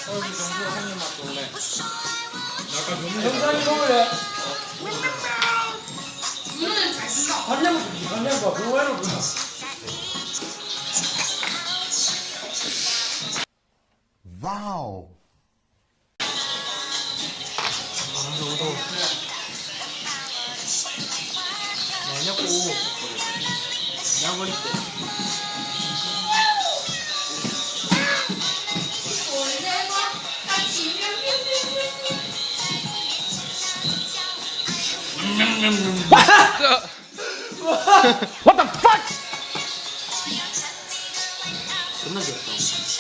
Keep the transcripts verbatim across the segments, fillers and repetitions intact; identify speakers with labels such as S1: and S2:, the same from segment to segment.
S1: 얼굴 정수가 한입 맛볼래? 약간 너무
S2: 정상이 먹을래?
S3: 이거는 잘 쓴다.
S2: 간장 간장 봐. 그거 해놓고.
S4: 와우.
S2: 아, 너무 더워. 내냐고. 내가 버릴게.
S3: 원래와 같이
S2: What the fuck? 존나 귀엽다.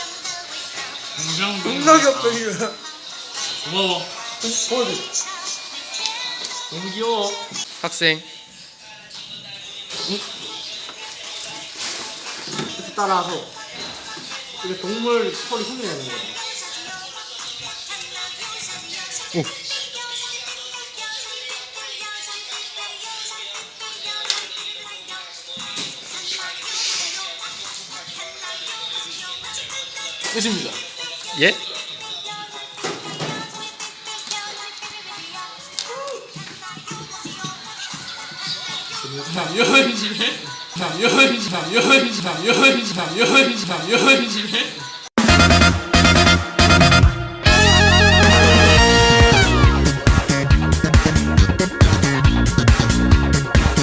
S2: 존나 귀엽다 이거.
S1: 고마워.
S2: 보여줘. 너무 귀여워.
S5: 학생
S2: 이렇게 따라서 이게 동물 소리 흉내내는 거야.
S5: 오.
S1: 끝입니다.
S5: 예?
S1: 남여인지네? 남여인지 남여인지 남여인지 남여인지 남여인지